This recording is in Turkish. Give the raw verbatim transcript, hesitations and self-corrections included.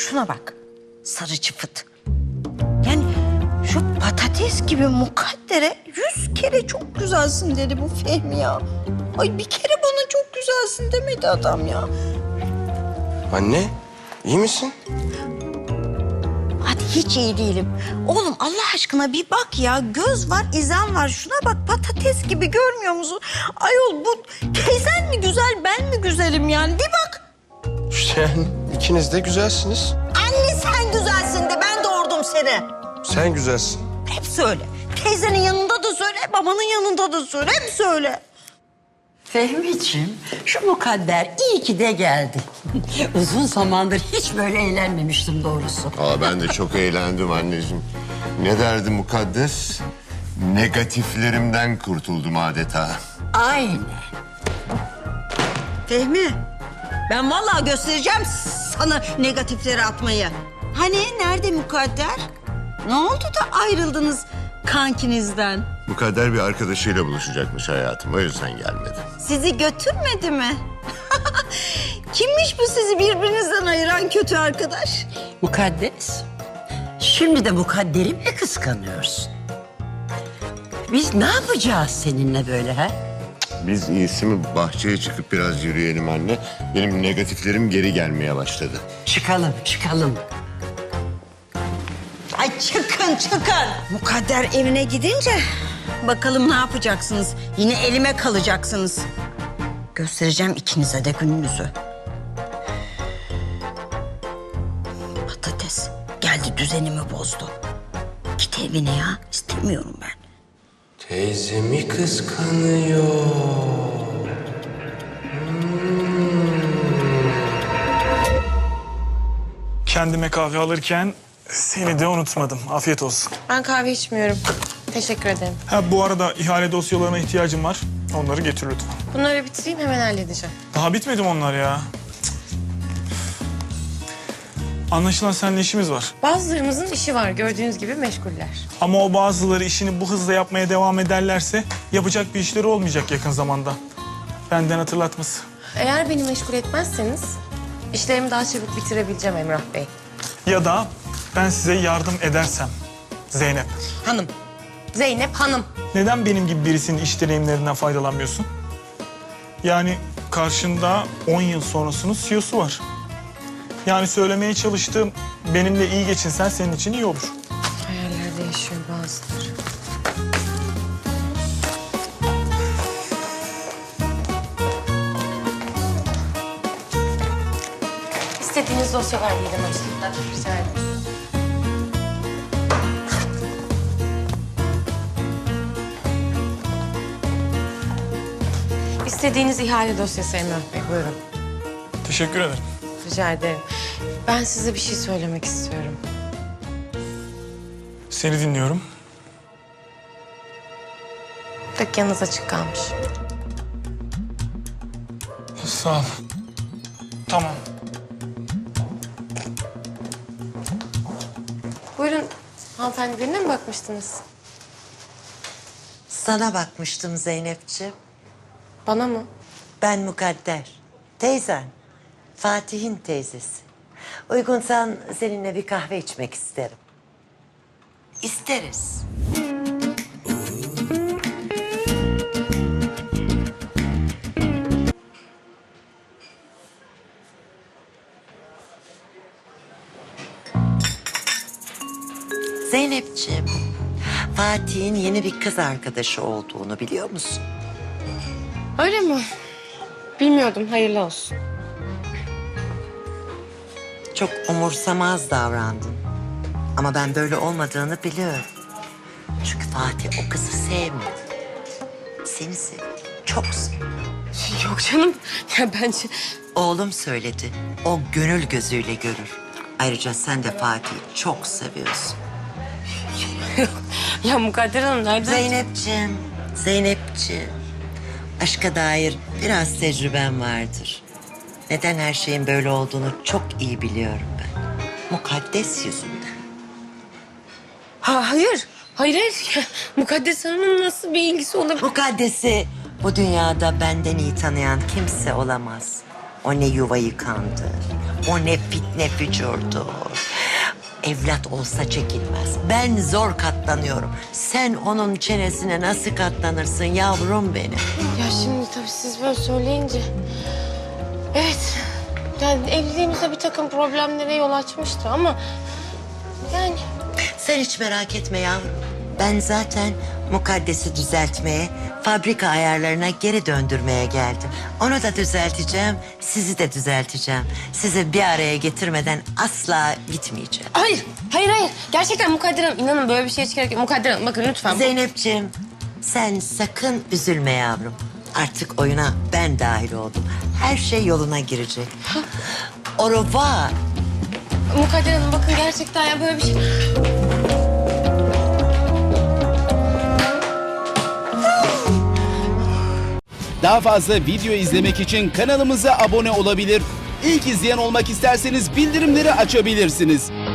şuna bak. Sarı çıfıt. Yani şu patates gibi mukaddere yüz kere çok güzelsin dedi bu Fehmi ya. Ay bir kere bana çok güzelsin demedi adam ya. Anne, iyi misin? Hadi hiç iyi değilim. Oğlum Allah aşkına bir bak ya. Göz var, izan var. Şuna bak patates gibi görmüyor musun? Ayol bu teyzen mi güzel, ben mi güzelim yani? Bir bak. İşte yani ikiniz de güzelsiniz. Anne sen güzelsin de ben doğurdum seni. Sen güzelsin. Hep söyle. Teyzenin yanında da söyle, babanın yanında da söyle. Hep söyle. Fehmi'ciğim, şu mukadder iyi ki de geldi. Uzun zamandır hiç böyle eğlenmemiştim doğrusu. Aa, ben de çok eğlendim anneciğim. Ne derdi mukaddes? Negatiflerimden kurtuldum adeta. Aynen. Fehmi, ben vallahi göstereceğim sana negatifleri atmayı. Hani nerede mukadder? Ne oldu da ayrıldınız kankinizden? Mukadder bir arkadaşıyla buluşacakmış hayatım. O yüzden gelmedi. Sizi götürmedi mi? Kimmiş bu sizi birbirinizden ayıran kötü arkadaş? Mukaddes, şimdi de mukadderimi mi kıskanıyorsun? Biz ne yapacağız seninle böyle ha? Biz iyisi mi bahçeye çıkıp biraz yürüyelim anne. Benim negatiflerim geri gelmeye başladı. Çıkalım, çıkalım. Ay çıkın çıkın. Mukadder evine gidince bakalım ne yapacaksınız? Yine elime kalacaksınız. Göstereceğim ikinize de gününüzü. Patates geldi düzenimi bozdu. Git evine ya istemiyorum ben. Teyzemi kıskanıyor. Kendime kahve alırken seni de unutmadım. Afiyet olsun. Ben kahve içmiyorum. Teşekkür ederim. Ha bu arada ihale dosyalarına ihtiyacım var. Onları getir lütfen. Bunları bitireyim hemen halledeceğim. Daha bitmedi mi onlar ya? Cık. Anlaşılan seninle işimiz var. Bazılarımızın işi var gördüğünüz gibi meşguller. Ama o bazıları işini bu hızla yapmaya devam ederlerse yapacak bir işleri olmayacak yakın zamanda. Benden hatırlatması. Eğer beni meşgul etmezseniz işlerimi daha çabuk bitirebileceğim Emrah Bey. Ya da ben size yardım edersem Zeynep. Hanım. Zeynep Hanım. Neden benim gibi birisinin iş deneyimlerinden faydalanmıyorsun? Yani karşında on yıl sonrasının C E O'su var. Yani söylemeye çalıştığım benimle iyi geçinsen senin için iyi olur. Hayallerde yaşıyor bazıları. İstediğiniz dosyalar diyelim açıkta. Rica ederim. İstediğiniz ihale dosyası Emrah Bey. Buyurun. Teşekkür ederim. Rica ederim. Ben size bir şey söylemek istiyorum. Seni dinliyorum. Dükkanınız açık kalmış. Sağ ol. Tamam. Buyurun. Hanımefendi birine mi bakmıştınız? Sana bakmıştım Zeynepciğim. Bana mı? Ben Mukadder. Teyzen. Fatih'in teyzesi. Uygunsan seninle bir kahve içmek isterim. İsteriz. Zeynepciğim, Fatih'in yeni bir kız arkadaşı olduğunu biliyor musun? Öyle mi? Bilmiyordum. Hayırlı olsun. Çok umursamaz davrandın. Ama ben böyle olmadığını biliyorum. Çünkü Fatih o kızı sevmiyor. Seni seviyor. Çok seviyor. Yok canım. Ya bence... Oğlum söyledi. O gönül gözüyle görür. Ayrıca sen de Fatih'i çok seviyorsun. Ya Mukadder Hanım nereden... Zeynepciğim, Zeynepciğim. Aşka dair biraz tecrüben vardır. Neden her şeyin böyle olduğunu çok iyi biliyorum ben. Mukaddes yüzünden. Ha, hayır. Hayır, hayır. Ya, Mukaddes Hanım'ın nasıl bir ilgisi olabilir? Mukaddes'i bu dünyada benden iyi tanıyan kimse olamaz. O ne yuva yıkandı. O ne fitne fücurdur. Evlat olsa çekilmez. Ben zor katlanıyorum. Sen onun çenesine nasıl katlanırsın yavrum benim? Ya şimdi tabii siz böyle söyleyince... Evet, yani evliliğimizde bir takım problemlere yol açmıştı ama... Yani Sen hiç merak etme yavrum. Ben zaten Mukaddes'i düzeltmeye, fabrika ayarlarına geri döndürmeye geldim. Onu da düzelteceğim, sizi de düzelteceğim. Sizi bir araya getirmeden asla gitmeyeceğim. hayır, hayır, hayır. Gerçekten Mukadder Hanım, inanın böyle bir şeye hiç gerek yok. Mukadder Hanım, bakın lütfen. Zeynep'ciğim, sen sakın üzülme yavrum. Artık oyuna ben dahil oldum. Her şey yoluna girecek. Au revoir. Mukadder Hanım, bakın gerçekten ya böyle bir şey... Daha fazla video izlemek için kanalımıza abone olabilir. İlk izleyen olmak isterseniz bildirimleri açabilirsiniz.